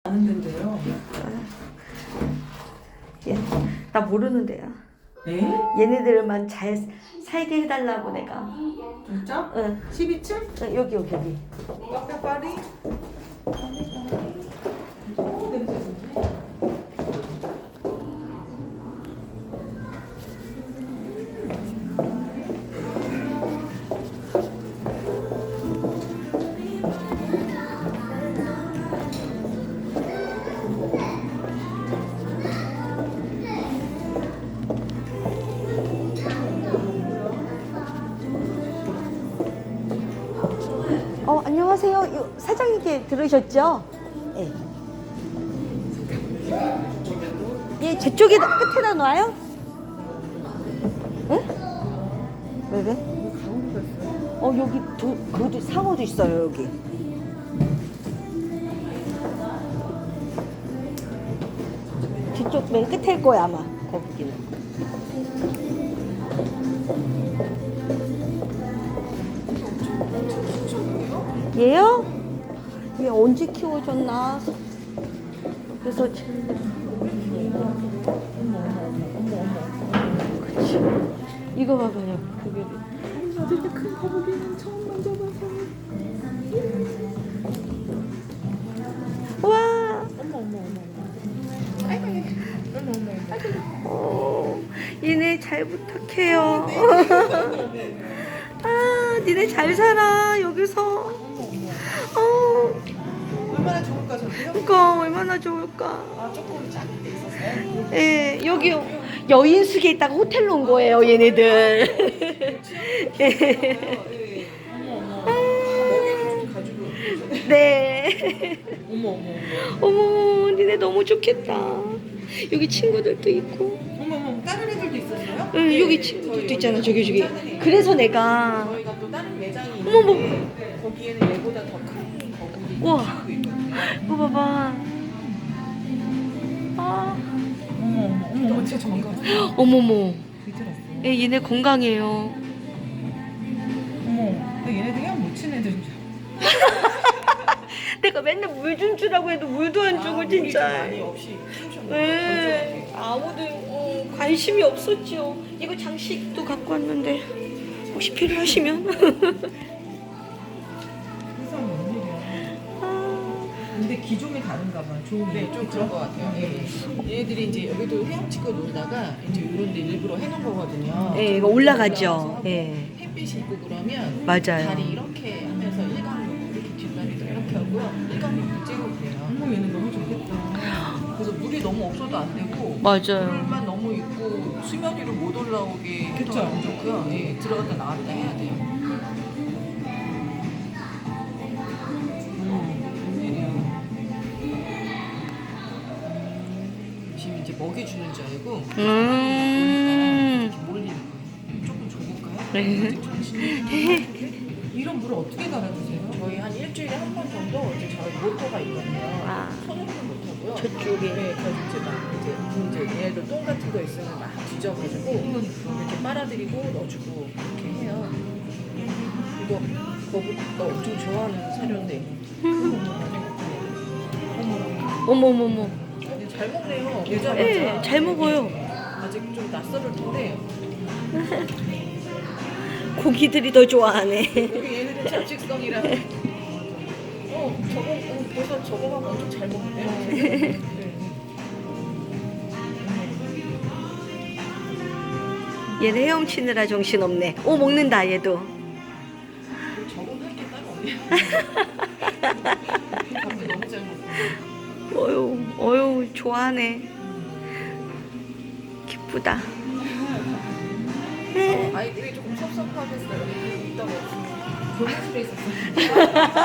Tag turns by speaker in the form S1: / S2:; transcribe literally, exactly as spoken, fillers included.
S1: 아는 데인데요.
S2: 얘, 나 모르는 데야.
S1: 네?
S2: 얘네들만 잘 살게 해달라고 내가.
S1: 진짜?
S2: 응.
S1: 십이 층?
S2: 응, 여기 여기 여기.
S1: 카페 파리? 오, 냄새 좋네.
S2: 어, 안녕하세요. 요, 사장님께 들으셨죠? 예. 예, 저쪽에 끝에다 놔요? 예? 왜 왜? 어, 여기 두, 그것도 상어도 있어요, 여기. 뒤쪽 맨 끝일 거야, 아마. 거기는. 얘요? 얘 언제 키워줬나? 그래서 지금 그치. 이거 봐봐요. 그게
S1: 나 저렇게 큰 거북이는 처음 만져봐서.
S2: 와.
S1: 어머 어머 어머. 아이고 어머 어머. 아이고.
S2: 어, 얘네 잘 부탁해요. 아, 니네 잘 살아 여기서. 어,
S1: 얼마나 좋을까 저기요?
S2: 그러니까 얼마나 좋을까.
S1: 아 조금 작은 데 있었어요?
S2: 예, 여기 여인숙에 있다가 호텔로 온 거예요, 얘네들. 예.
S1: 어머 어머. 먹이를 좀 가지고.
S2: 네.
S1: 어머 어머 어머.
S2: 어머, 니네 너무 좋겠다. 여기 친구들도 있고.
S1: 어머 어머. 다른 애들도 있었어요?
S2: 응,
S1: 네,
S2: 여기
S1: 네.
S2: 친구들도
S1: 저희
S2: 있잖아,
S1: 여기
S2: 저기, 저기.
S1: 작은 애.
S2: 그래서 내가.
S1: 저희가 또 다른 매장이
S2: 어머,
S1: 있는데 거기에는 얘보다 더 큰 거북이
S2: 우와.
S1: 키우고 있거든요.
S2: 이거 봐봐. 아,
S1: 어머 어머 어머 어머 진짜 정가.
S2: 어머머.
S1: 들었어.
S2: 예, 얘네 건강해요.
S1: 어머. 근데 얘네들 그냥 못 친 애들인 줄.
S2: 내가 맨날 물 준 주라고 해도 물도 안 주고, 진짜.
S1: 많이 없이 키우셨네.
S2: 네, 아무도 어, 관심이 없었죠. 이거 장식도 갖고 왔는데 혹시 필요하시면.
S1: 세상 웬일이야.
S2: 아,
S1: 근데 기종이 다른가 봐. 좋은 네, 좀 그런 것 같아요. 예. 얘네들이 이제 여기도 헤엄치고 놀다가 이제 이런 데 일부러 해놓은 거거든요.
S2: 네, 이거 올라가죠.
S1: 올라가서
S2: 네.
S1: 햇빛이 있고 그러면
S2: 맞아요.
S1: 다리 이렇게 하면서 일광욕 이렇게 뒷다리도 이렇게 하고요. 일광욕도 찍고 그래요. 어머 얘는 너무 좋겠다. 그래서 물이 너무 없어도 안 되고
S2: 맞아요.
S1: 물만 너무 있고 수면 위로 못 올라오게 해도 안 좋고요. 예, 들어갔다 나왔다 해야 돼요. 음, 웬일이야. 지금 이제 먹이 주는 줄 알고
S2: 음.
S1: 이렇게 몰리는 거예요. 조금 줘볼까요?
S2: 네.
S1: 정신이 이런 물을 어떻게 갈아주세요? 저희 한 일주일에 한 번 정도 이제 저희 모터가 있거든요.
S2: 아.
S1: 손으로는 못하고요.
S2: 저쪽에.
S1: 네, 그래서 이제 막 이제 이제 얘네들 똥 같은 거 있으면 막 뒤져가지고 이렇게 빨아들이고 넣어주고 이렇게 해요. 이거 거북이가 엄청 좋아하는 사료인데.
S2: 어머머머.
S1: 근데 잘 먹네요. 여자마자.
S2: 네, 잘 먹어요.
S1: 아직 좀 낯설을 텐데.
S2: 고기들이 더 좋아하네.
S1: 여기 얘네들 잡식성이라. 어, 저거, 어, 벌써 저거가 엄청 잘 먹네요. 네.
S2: 얘네 헤엄치느라 정신 없네. 오, 먹는다 얘도.
S1: 적응할 게 따로 없네요. 밥도 너무 잘 먹고.
S2: 어유, 어유, 좋아하네. 기쁘다.
S1: 어, 아이들이 조금 섭섭하겠어요. 이따가 교무실에 있었어요.